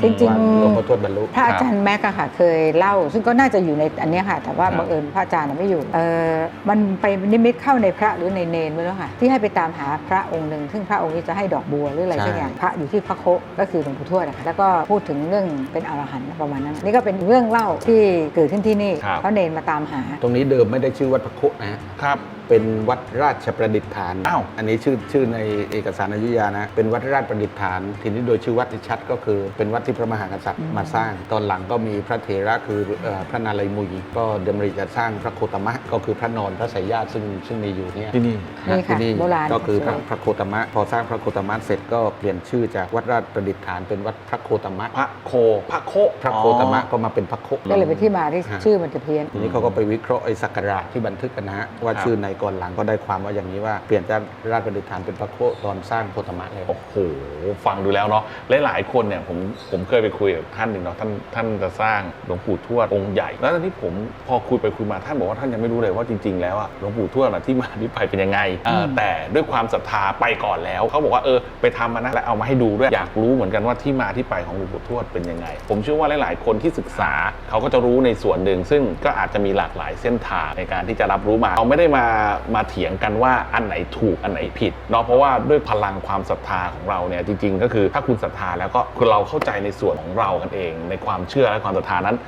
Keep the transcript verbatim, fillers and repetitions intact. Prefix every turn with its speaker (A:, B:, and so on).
A: จริงๆ
B: หลวงพ่อทวดบรรลุ
A: พระอาจารย์แม็กอะค่ะเคยเล่าซึ่งก็น่าจะอยู่ในอันนี้ค่ะแต่ว่าบังเอิญพระอาจารย์ไม่อยู่เออมันไปนิมิตเข้าในพระหรือในเนรไม่รู้ค่ะที่ให้ไปตามหาพระองค์หนึ่งซึ่งพระองค์นี้จะให้ดอกบัวหรืออะไรสักอย่างพระอยู่ที่พระโคก็คือหลวงปู่ทวดนะคะแล้วก็พูดถึงเรื่องเป็นอรหันต์ประมาณนั้นนี่ก็เป็นเรื่องเล่าที่เกิดขึ้นที่นี่เพราะเนรมาตามหา
B: ตรงนี้เดิมไม่ได้ชื่อวัดพระโคนะครับเป็นวัดราชประดิษฐานอ้าวอันนี้ชื่อชื่อในเอกสารอยุธยานะเป็นวัดราชประดิษฐานทีนี้โดยชื่อวัดที่ชัดก็คือเป็นวัดที่พระมหากษัตริย์มาสร้างตอนหลังก็มีพระเถระคือพระนาลัยมุยก็ดำริจะสร้างพระโคตมะก็คือพระนอนพระสายญาติซึ่งซึ่งมีอยู่เนี่ย
C: ที่นี่
B: ที่นี่ก็คือพระพระโคตมะพอสร้างพระโคตมะเสร็จก็เปลี่ยนชื่อจากวัดราชประดิษฐานเป็นวัดพระโคตมะ
C: พระโคพระโค
B: พระโคตมะก็มาเป็นพระโค
A: ก็เลยเป็นที่มาที่ชื่อมันจะเพี้ยน
B: ทีนี้เขาก็ไปวิเคราะห์ไอ้ศักราชที่บันทึกกันนะฮะว่าชื่อในก่อนหลังก็ได้ความว่าอย่างนี้ว่าเปลี่ยนจากราชประดิษฐานเป็นพระโคตอนสร้างโคตมะเลย
C: โอ้โหฟังดูแล้วเนาะหลายๆคนเนี่ยผมผมเคยไปคุยกับท่านหนึ่งเนาะท่านท่านจะสร้างหลวงปู่ทวดองค์ใหญ่แล้วตอนที่ผมพอคุยไปคุยมาท่านบอกว่าท่านยังไม่รู้เลยว่าจริงๆแล้วอะหลวงปู่ทวดที่มาที่ไปเป็นยังไงแต่ด้วยความศรัทธาไปก่อนแล้วเขาบอกว่าเออไปทำมานะแล้วเอามาให้ดูด้วยอยากรู้เหมือนกันว่าที่มาที่ไปของหลวงปู่ทวดเป็นยังไงผมเชื่อว่าหลายๆคนที่ศึกษาเขาก็จะรู้ในส่วนหนึ่งซึ่งก็อาจจะมีหลากหลายเส้นทางในการที่จะรับรู้มาเราไม่ได้มามาเถียงกันว่าอันไหนถูกอันไหนผิดเนาะเพราะว่าด้วยพลังความศรัทธาของเราเนี่ยจริงๆก็คือถ้าคุณศรัทธาแล้วก็คือเราเข้าใจในส่วนของเรากันเองในความเชื่อและความศรัทธานั้น